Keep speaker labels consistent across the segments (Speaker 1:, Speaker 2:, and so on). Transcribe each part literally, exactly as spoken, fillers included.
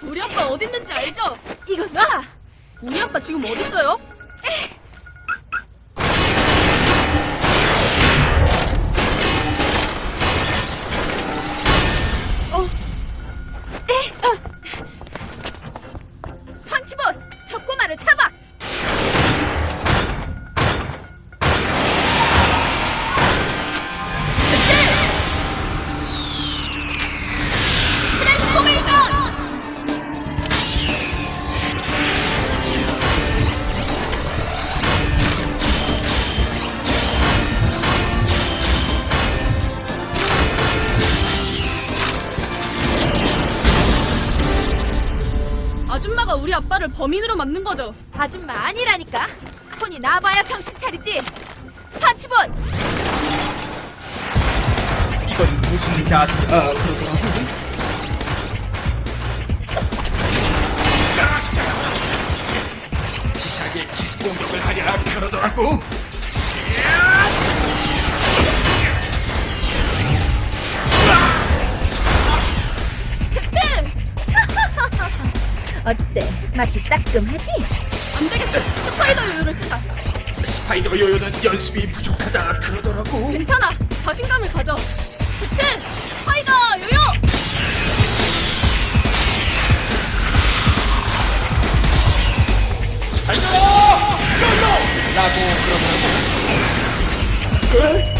Speaker 1: 우리 아빠 어디 있는지 알죠?
Speaker 2: 이거 놔!
Speaker 1: 우리 아빠 지금 어디 있어요? 어,
Speaker 2: 펀치봇! 저 꼬마를 잡아!
Speaker 1: 트랜스포메이션! 아줌마가 우리 아빠를 범인으로 만든 거죠.
Speaker 2: 아줌마 아니라니까! 손이 나봐야 정신 차리지! 펀치봇!
Speaker 3: 이건 무슨 자세? 아, 그러더라고. 지사기에 기습 공격을 하랴 그러더라고.
Speaker 1: 제트!
Speaker 2: 어때? 맛이 따끔하지?
Speaker 1: 안 되겠어. 스파이더 요요를 쓰자.
Speaker 3: 스파이더 요요는 연습이 부족하다 그러더라고.
Speaker 1: 괜찮아. 자신감을 가져. 제트! 스파이더 요요!
Speaker 3: 스파이더 요요! 라고 그러더라고.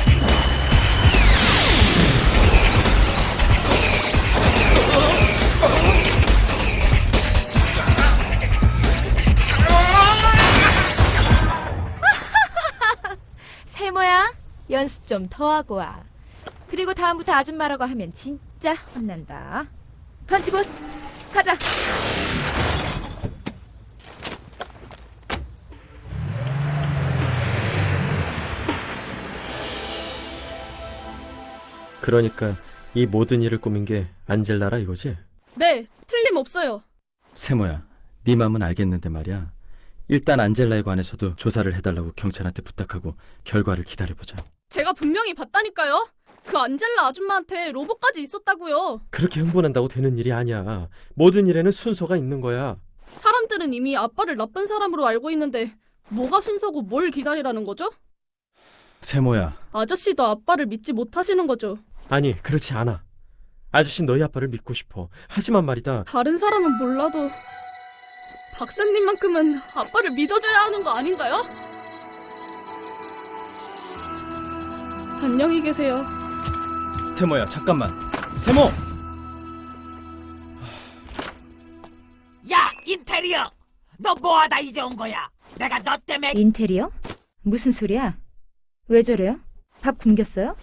Speaker 2: 세모야, 연습 좀 더 하고 와. 그리고 다음부터 아줌마라고 하면 진짜 혼난다. 펀치봇, 가자!
Speaker 4: 그러니까 이 모든 일을 꾸민 게 안젤라라 이거지?
Speaker 1: 네, 틀림없어요.
Speaker 4: 세모야, 네 맘은 알겠는데 말이야. 일단 안젤라에 관해서도 조사를 해달라고 경찰한테 부탁하고 결과를 기다려보자.
Speaker 1: 제가 분명히 봤다니까요. 그 안젤라 아줌마한테 로봇까지 있었다고요.
Speaker 4: 그렇게 흥분한다고 되는 일이 아니야. 모든 일에는 순서가 있는 거야.
Speaker 1: 사람들은 이미 아빠를 나쁜 사람으로 알고 있는데 뭐가 순서고 뭘 기다리라는 거죠?
Speaker 4: 세모야,
Speaker 1: 아저씨도 아빠를 믿지 못하시는 거죠.
Speaker 4: 아니 그렇지 않아. 아저씨 너희 아빠를 믿고 싶어. 하지만 말이다.
Speaker 1: 다른 사람은 몰라도 박사님만큼은 아빠를 믿어줘야 하는 거 아닌가요? 안녕히 계세요.
Speaker 4: 세모야 잠깐만. 세모!
Speaker 5: 야, 인테리어! 너 뭐하다 이제 온 거야? 내가 너 때문에
Speaker 2: 인테리어? 무슨 소리야? 왜 저래요? 밥 굶겼어요?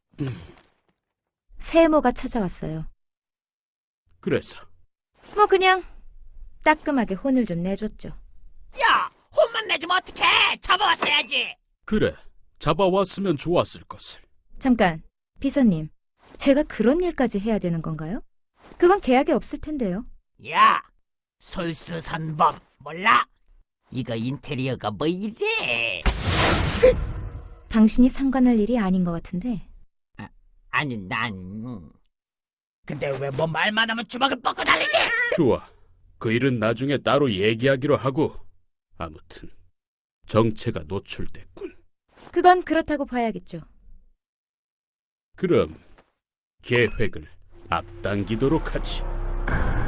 Speaker 2: 세모가 찾아왔어요.
Speaker 6: 그래서
Speaker 2: 뭐 그냥 따끔하게 혼을 좀 내줬죠.
Speaker 5: 야, 혼만 내주면 어떡해? 잡아왔어야지.
Speaker 6: 그래 잡아왔으면 좋았을 것을.
Speaker 2: 잠깐, 비서님. 제가 그런 일까지 해야 되는 건가요? 그건 계약에 없을 텐데요.
Speaker 5: 야, 솔수선범 몰라? 이거 인테리어가 뭐 이래?
Speaker 2: 당신이 상관할 일이 아닌 것 같은데.
Speaker 5: 아니 난 근데 왜 뭐 말만 하면 주먹을 뻗고 달리지?
Speaker 6: 좋아, 그 일은 나중에 따로 얘기하기로 하고. 아무튼 정체가 노출됐군.
Speaker 2: 그건 그렇다고 봐야겠죠.
Speaker 6: 그럼 계획을 앞당기도록 하지.